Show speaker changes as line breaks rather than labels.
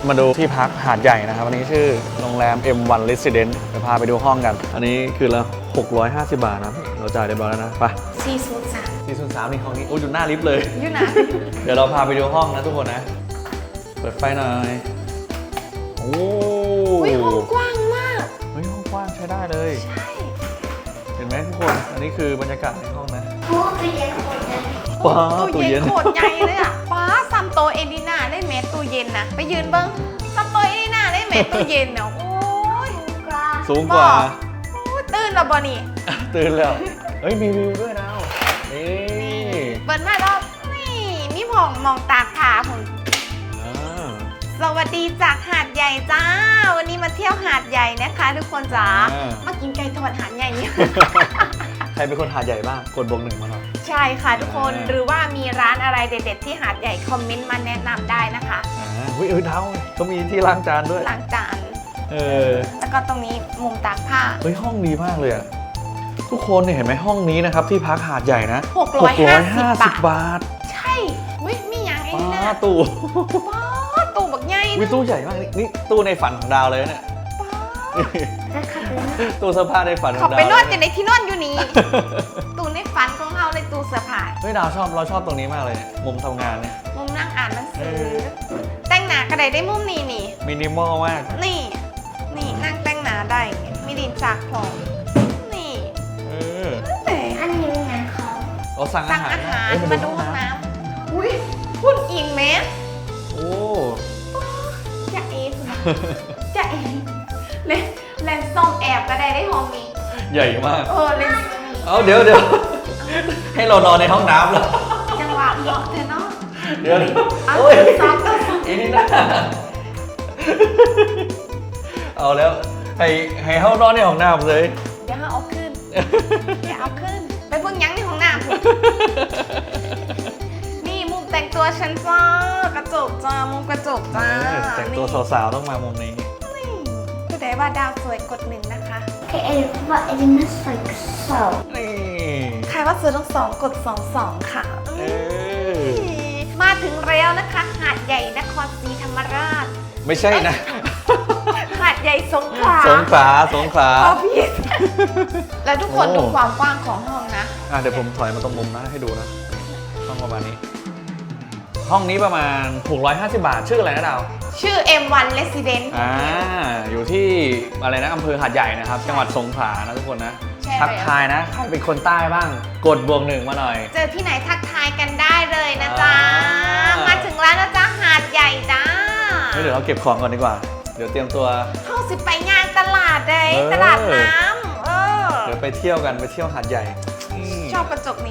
มาดูที่พักหาดใหญ่นะครับอันนี้ชื่อโรงแรม M1 Residence ไปพาไปดูห้องกันอันนี้คือละ650 บาทนะเราจ่ายได้บ้างแล้วนะไป403นี่ห้องนี้โอ้ยอยู่หน้าลิฟต์เลย
อยู่นะ
เดี๋ยวเราพาไปดูห้องนะทุกคนนะเปิดไฟหน่อยโอ้
ยห้องกว้างมาก
เฮ้ยห้องกว้างใช้ได้เลย
ใช่
เห็นไหมทุกคนอันนี้คือบรรยากาศในห้องนะ
ตู้เย็นโคตรใหญ่
ตู้เย็น
โคตรใหญ่เลยอ่ะป้าซัมโตเอดิน่าได้เมตรตู้เย็นนะไปยืนเบิ้งซัมโตเอดิน่าได้เมตรตู้เย็นเนาะโอ้ย
สูงกว่า
ตื่นแล้วบ่นี่
ตื่นแล้วเฮ้ยมีวิวด้วยนะนี่
เปิดมาแล้วนี่มีมองตากผาผมสวัสดีจากหาดใหญ่จ้าวันนี้มาเที่ยวหาดใหญ่นะคะทุกคนจ้ามากินไก่ทอดหาดใหญ่เนี่ย
ใครเป็นคนหาดใหญ่บ้างกดบวก 1มาหน่อย
ใช่ค่ะทุกคนหรือว่ามีร้านอะไรเด็ดๆที่หาดใหญ่คอมเมนต์มาแนะนำได้นะคะ
เท้าก็มีที่ล้างจานด้วย
ล้างจานแล้วก็ตรงนี้มุมตากผ้า
เฮ้ยห้องดีมากเลยอะทุกคนเนี่ยเห็นไหมห้องนี้นะครับที่พักหาดใหญ่นะ
650 บาทใช่มีอย่างไอ้นี่นะ
ตู้
บักใหญ่
ตู้ใหญ่มากนี่ตู้ในฝันของดาวเลยเนี่ยตู้เสื้อผ้าในฝันของดาว
เขาไปนอนกันในที่นอนอยู่นี่ตู้ในฝันของเราเลยตู้เสื้อผ้า
ดาวเราชอบตรงนี้มากเลยมุมทำงานเนี่ย
มุมนั่งอ่านหนังสือแต่งหน้ากระไดได้มุมนี้นี่
มินิมอลมาก
นี่นั่งแต่งหน้าได้มีดินจากผมนี่
อันนี้งานเขา
สั่งอาหาร
มาดูห้องน้ำอุ้ยหุ่นอิงไหม
โอ้
จะเอเลนส์ส่องแอบกระไดได้ห้องนี้
ใหญ่มาก
เลนส์
เดี๋ยวให้เรานอนในห้องน้ำเหรอ
จังหวะเหมาะเธอเนาะ
เดี๋ยว
โอ้ยซ้อม
อีนี่นะเอาแล้วให้เขานอนในห้องน้ำเลย
เดี๋ยวเอาขึ้นไปเบิ่งยังในห้องน้ำนี่มุมแต่งตัวฉันจ้ากระจกจ้ามุมกระจกจ้า
แต่งตัวสาวๆต้องมามุมนี้
ก็ได้ว่าดาวสวยกด1นะคะ
ใครว่าเอลิน่าสวย2
นี่
ใครว่าสวยต้อง2กด22ค่ะมาถึงแล้วนะคะหาดใหญ่นครศรีธรรมราช
ไม่ใช่นะ
หาดใหญ่สงขลาผิดแล้วทุกคนดูความกว้างของห้องนะ
เดี๋ยวผมถอยมาตรงมุมนะให้ดูนะห้องประมาณนี้ห้องนี้ประมาณ650 บาทชื่ออะไรนะดาว
ชื่อ M1 Residence
อยู่ที่อะไรนะอำเภอหาดใหญ่นะครับจังหวัดสงขลานะทุกคนนะทักทายนะใครเป็นคนใต้บ้างกดบวก 1มาหน่อย
เจอที่ไหนทักทายกันได้เลยนะจ๊ะมาถึงแล้วนะจ๊ะหาดใหญ่จ้า
เดี๋ยวเราเก็บของก่อนดีกว่าเดี๋ยวเตรียมตัว
เข้าสิไปงานตลาดเลยตลาดน้ำ
เดี๋ยวไปเที่ยวกันไปเที่ยวหาดใหญ่
ชอบกระจกนี้